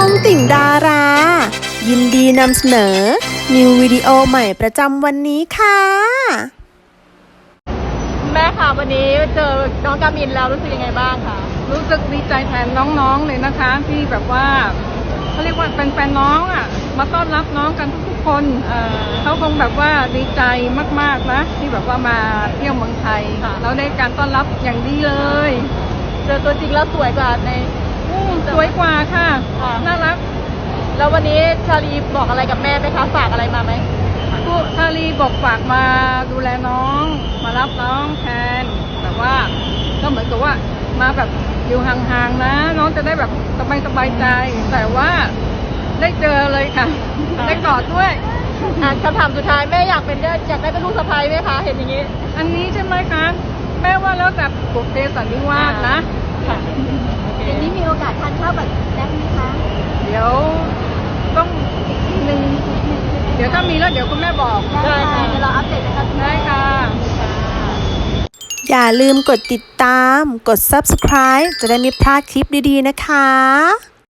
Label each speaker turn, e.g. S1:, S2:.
S1: องติ่งดารา ยินดีนำเสนอนิววิดีโอใหม่ประจำวันนี้ค่ะ
S2: แม่ค่ะวันนี้เจอน้องกามินแล้วรู้สึกยังไงบ้างคะ
S3: รู้สึกดีใจแทนน้องๆเลยนะคะที่แบบว่าเขาเรียกว่าแฟนๆน้องอ่ะมาต้อนรับน้องกันทุกๆคนเขาคงแบบว่าดีใจมากๆนะที่แบบว่ามาเที่ยวเมืองไทยแล้วได้การต้อนรับอย่างดีเลย
S2: เจอตัวจริงแล้วสวยกว่าใน
S3: สวยกว่าค่ะน่ารัก
S2: แล้ววันนี้ชาลีบอกอะไรกับแม่ไหมคะฝากอะไรมาไหม
S3: ผู้ชาลีบอกฝากมาดูแลน้องมารับน้องแทนแบบว่าก็เหมือนกับว่ามาแบบอยู่ห่างๆนะน้องจะได้แบบสบายใจแต่ว่าได้เจอเลยค่ะได้กอดด้วย
S2: คำถามสุดท้ายแม่อยากได้เป็นลูกสะใภ้ไหมคะเห็นอย่างนี้
S3: อันนี้ใช่ไหมคะแม่ว่าแล้วแต่บุพเพสันนิวาสนะ
S2: อย่างนี้มีโอกาสทานข้าวแบบแซ่บไหมคะ
S3: เดี๋ยวต้องอีกทีนึงเดี๋ยวถ้ามีแล้วเดี๋ยวคุณแม่บอก
S2: ได้ค่ะเดี๋ยวเราอัปเดตนะคะ
S3: ได้ค่ะ
S1: อย่าลืมกดติดตามกด Subscribe จะได้ไม่พลาดคลิปดีๆนะคะ